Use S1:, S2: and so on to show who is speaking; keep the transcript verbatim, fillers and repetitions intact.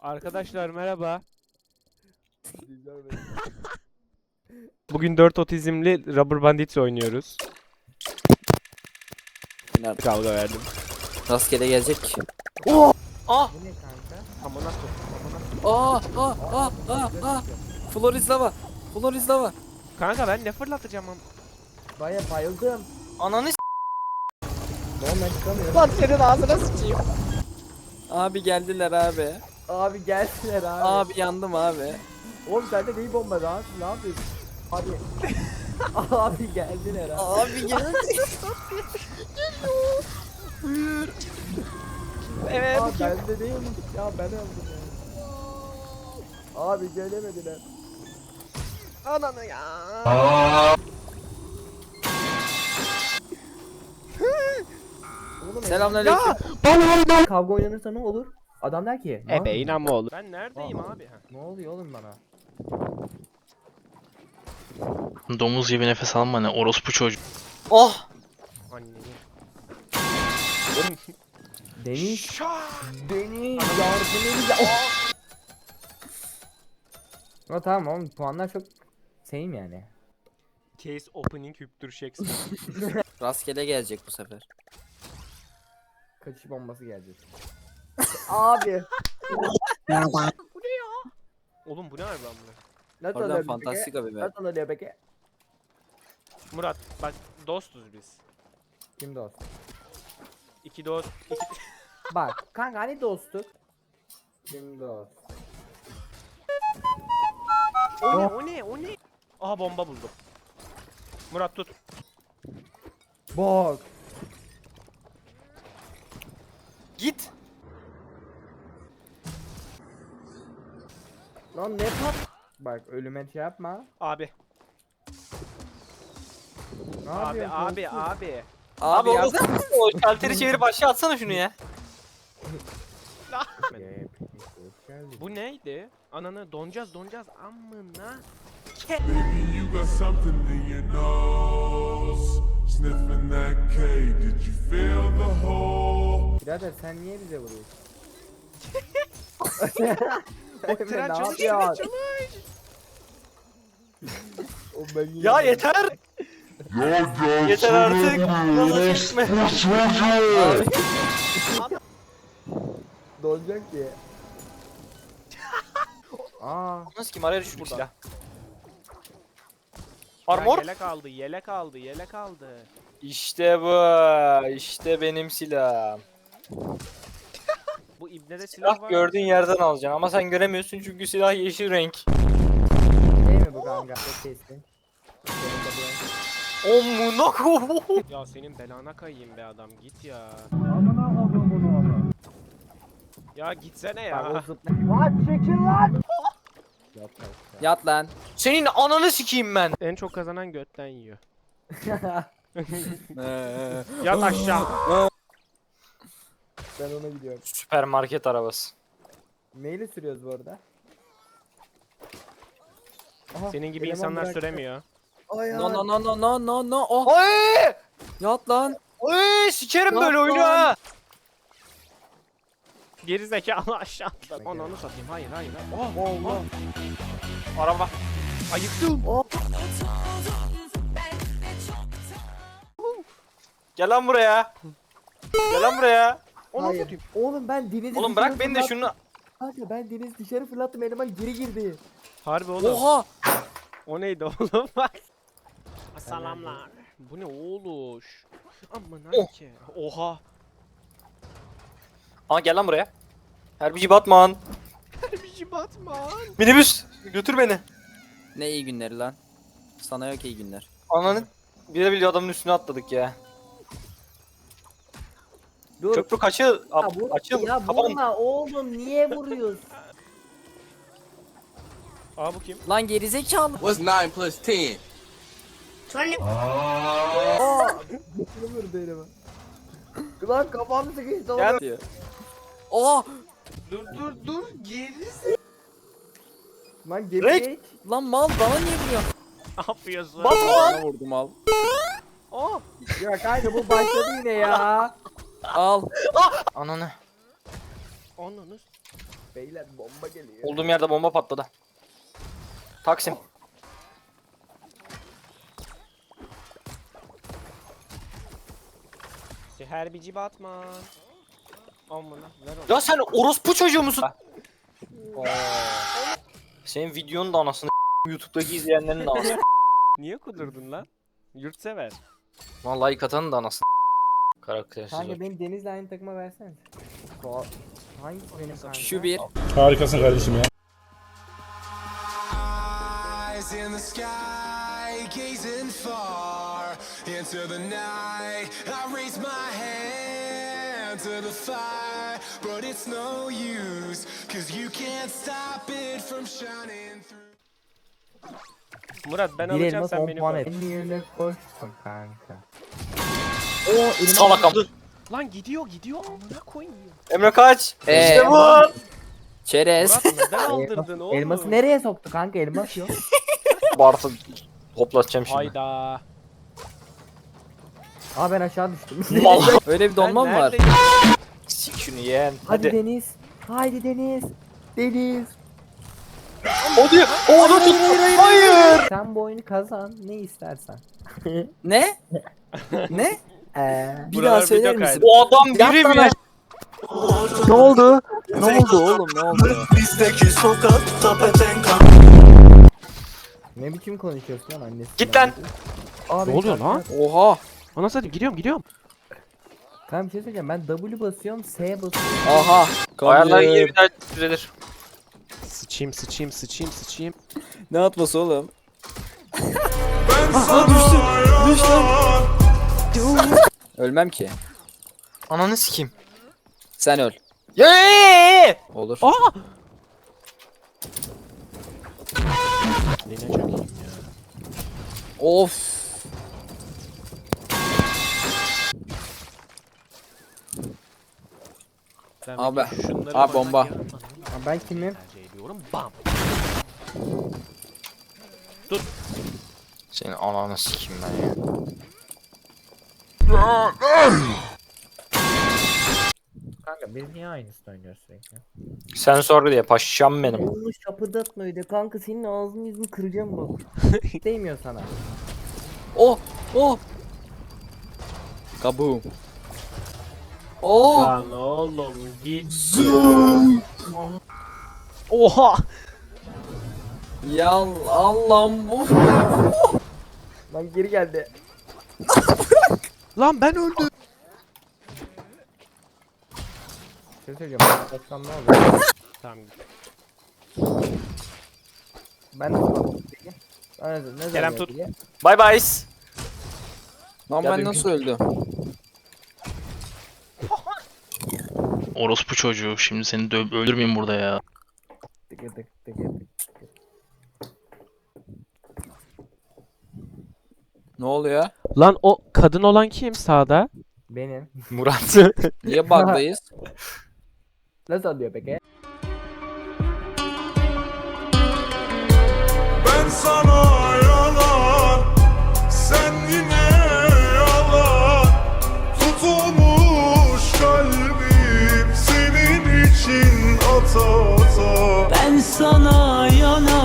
S1: Arkadaşlar merhaba. Bugün dört otizmli Rubber Bandits oynuyoruz.
S2: Yine
S1: Kavga verdim.
S2: rastgele gelecek ki.
S3: Oh!
S2: Ah!
S3: Bu ne kanka?
S1: Amına koyayım.
S2: Ah! Ah! Ah! Ah! Ah! Floriz lava! Floriz lava!
S1: Kanka ben ne fırlatacağım am.
S3: Baya bayıldım.
S2: Ananı s***.
S3: Oğlum ben çıkamıyorum.
S1: Lan senin ağzına sıçayım.
S2: Abi geldiler abi.
S3: Abi gelsinler abi.
S2: Abi yandım abi.
S3: Oğlum sende neyi bomba lan? Ne yapıyorsun? Abi. Abi geldiler abi.
S2: Abi geldi. Buyur. Evet.
S3: Abi bende değilmiş ya ben öldüm ya. Abi gelemediler.
S1: Ananı ya.
S3: Oğlum
S2: Selamünaleyküm.
S3: kavga oynanırsa ne olur? Adam der ki. "Lan,
S1: Ebe inanma oğlum. Ben neredeyim
S3: Aa.
S1: abi? Ha.
S3: Ne oluyor oğlum bana?
S4: Domuz gibi nefes alma ne orospu çocuğu.
S2: Oh!
S1: Anneni.
S3: Deniz. Deniz yardım edin. Oh. Tamam oğlum puanlar çok same yani.
S1: Case opening hüptür Shakespeare.
S2: Rastgele gelecek bu sefer.
S3: Kaçış bombası gelecek. Abi.
S1: Oğlum bu ne abi lan bu?
S3: Nasıl
S2: Oradan
S3: oluyor
S2: fantastik
S3: peki?
S2: abi be.
S3: Nasıl oluyor peki?
S1: Murat bak dostuz biz.
S3: Kim dost?
S1: İki dost. Iki...
S3: Bak kanka hani dostluk? Kim dost?
S1: O ne o ne o ne? Aha bomba buldum. Murat tut.
S3: Bak.
S2: Git.
S3: Lan ne pat? Bak ölüme şey yapma.
S1: Abi.
S3: Ne
S1: Abi
S3: yapıyorsun?
S1: abi
S3: dostum?
S1: abi.
S2: Abi,
S5: Abi
S2: ya.
S5: o o şalteri çevirip aşağı atsana şunu ya.
S3: Ee, hoş geldin.
S1: Bu neydi? Ananı donacağız donacağız amına.
S6: Baby, you got something in your nose. Sniffing that K, did you feel the hole?
S3: Birader sen niye bize vuruyorsun?
S1: O
S3: Emre,
S1: tren
S3: ne
S1: çalış
S3: yapıyorsun?
S1: çalış.
S3: O ben yine-
S5: Ya yeter. Yeter artık. Nasıl çekme.
S3: Dolacak ki. Aa,
S5: Nasıl kim araya düştü bu
S1: Burada.
S5: silah.
S1: Ya
S5: Armor.
S1: yelek aldı yelek aldı yelek aldı.
S5: İşte bu. İşte benim silahım.
S1: Bu ibnede silah
S5: Silah
S1: var.
S5: gördüğün yerden alacaksın ama sen göremiyorsun çünkü silah yeşil renk.
S3: değil mi bu kanka? Çok kesin.
S5: Omuna ko.
S1: Ya senin belana kayayım be adam git ya. Ya gitsene
S3: Bak o
S1: ya.
S3: zıpla- Lan çekil lan! Yat
S2: Yat lan.
S5: Senin ananı sikeyim ben.
S1: En çok kazanan götten yiyor.
S3: aşağı.
S1: Yat aşağı.
S3: Ben ona gidiyorum.
S5: Süpermarket arabası.
S3: Neyle sürüyoruz bu arada? Aha,
S1: Senin gibi
S3: eleman
S1: insanlar
S3: bıraktı.
S1: süremiyor.
S3: Ay
S2: No
S3: ay.
S2: no no no no no no. Oh.
S5: Oy!
S2: Yat lan.
S5: Oy! Sikerim böyle
S2: Yapma.
S5: oyunu ha.
S1: Geri zekalı aşağı atladı. Onu onu satayım. Hayır hayır. hayır. Oh,
S3: Allah.
S5: Araba.
S1: ayıktım.
S5: Gel lan buraya. Gel lan buraya.
S1: Onu
S3: Hayır.
S1: satayım.
S3: Oğlum ben denizi
S5: Oğlum
S3: dışarı
S5: bırak beni de
S3: fırlat-
S5: şunu.
S3: Kanka ben deniz dışarı fırlattım eleman geri girdi.
S1: Harbi oğlum.
S2: Oha.
S1: O neydi oğlum bak. Salamlar. Bu ne oğluş? Amına
S5: Oh.
S1: ki. Oha.
S5: Aa gel lan buraya. Herbici Batman.
S1: Herbici Batman.
S5: Minibüs götür beni.
S2: Ne iyi günleri lan. Sana yok iyi günler.
S5: Ananı bile bile adamın üstüne atladık ya.
S3: Dur.
S5: Köprü kaçı
S3: Ya,
S5: Ab-
S3: vur,
S5: açıl.
S3: ya
S5: Kapan.
S3: vurma oğlum niye vuruyorsun?
S1: Aa bu kim?
S2: Lan gerizekalı.
S7: What's nine plus ten?
S3: Aa! Bunu vurdu eleman. Lan kafam sıkıştı oğlum.
S5: Gel.
S2: Oha.
S1: Dur dur dur geri.
S3: Lan gemi
S5: Rek!
S3: geç.
S2: Lan mal bana niye vuruyorsun?
S1: Ne yapıyorsun?
S2: Bana vurdu mal.
S1: Oh.
S3: Ya kanka bu başladı yine ya.
S2: Al.
S5: Ananı.
S1: Ananı.
S3: Beyler bomba geliyor.
S2: Olduğum yerde bomba patladı. Taksim.
S1: Her bici Batman. Amına ver onu.
S2: Ya sen orospu çocuğu musun? Oo. Senin videonun da anasını YouTube'daki izleyenlerin de anasını.
S1: Niye kudurdun lan? Yurtsever.
S2: Lan like atanın da anasını. Karaktersiz.
S3: Kanka beni Deniz'le aynı takıma versene. Ko- Hangisi benim kanka?
S2: Şu bir.
S7: Harikasın kardeşim ya.
S8: Eyes in the sky, gazing far into the night. I raise my hand to the fire, but it's no use, 'cause you can't stop it from shining through.
S1: Murat ben
S3: Bir
S1: alacağım
S3: elma
S1: sen
S3: son
S1: beni
S3: puan
S1: koy.
S3: et. elli yerine koştum kanka. Oo elime
S2: Salak am.
S1: Lan gidiyor gidiyor amına koyayım.
S2: Emre kaç.
S3: Ee,
S2: işte bu. Çerez.
S1: Murat neden aldırdın oğlum?
S3: Elması nereye soktu kanka? Elmas yok.
S2: Bartı hoplatacağım şimdi.
S1: Hayda.
S3: Aa ben aşağı düştüm.
S2: Mal.
S9: Öyle bir donma mı var?
S1: neredeyim?
S2: Sik şunu yeğen.
S3: Hadi
S2: Hadi.
S3: Deniz. Haydi Deniz. Deniz.
S2: Hadi. Onu tut. Hayır.
S3: Sen bu oyunu kazan. Ne istersen.
S9: Ne? Ne?
S3: Eee.
S9: Bir
S1: Buralar
S9: daha söyler
S1: video
S9: misin?
S2: O adam biri mi?
S9: Ne oldu? Ne oldu oğlum ne oldu?
S8: Bizdeki sokakta petenka.
S3: Ne biçim konuşuyorsun lan annesi?
S2: Git lan.
S3: Abi
S1: Ne oluyor lan?
S9: Oha.
S1: Anasını satayım gidiyorum gidiyorum.
S3: Kanka bir şey söyleyeceğim. Ben W basıyorum, S basıyorum.
S9: Aha.
S2: Ayarlar
S9: Kamyon.
S2: iyi bir daha düzelir.
S1: Sıçayım sıçayım sıçayım sıçayım.
S9: Ne atması oğlum?
S6: Ben sana
S9: Düş lan.
S6: yalan.
S9: Ölmem ki.
S2: Ananı sikeyim.
S9: Sen öl.
S2: Yeee.
S9: Olur.
S1: Aa! Ne çok iyiyim ya.
S9: Of.
S1: Ben
S9: Abi,
S1: bir şunları
S9: abi
S1: bana
S9: bomba.
S1: gel, bana
S3: Ha, ben kimim?
S1: tercih ediyorum. Bam.
S2: Senin ananı sikeyim ben ya.
S3: Kanka biz niye aynısını oynuyoruz sürekli?
S2: Sen sor diye paşam benim.
S3: Onu şapırdatma öyle kanka, senin ağzını yüzünü kıracağım bak. Değmiyor sana.
S9: Oh. Oh. Kaboom. Oh.
S1: Lan oğlum git. Oha.
S9: Ya Allah'ım bu.
S3: Lan geri geldi.
S1: Lan ben öldüm.
S3: Bir şey söyleyeceğim. Ben kaçsam ne olur?
S1: Tamam.
S3: Ben de sana peki. Ne, ne zaman
S1: Kerem tut.
S3: peki?
S2: Bye bye.
S9: Lan
S2: Ya
S9: ben
S2: bir-
S9: nasıl öldüm?
S4: Orospu çocuğu. Şimdi seni dö- öldürmeyeyim burada ya.
S3: Tıkı tık tıkı tık.
S9: Ne oluyor?
S1: Lan o kadın olan kim sağda?
S3: Benim.
S2: Murat.
S9: Niye bug'dayız?
S3: Nasıl oluyor peki?
S6: Ben sana yalan. Sen yine yalan. Tutulmuş kalbim senin için ata ata.
S10: Ben sana yalan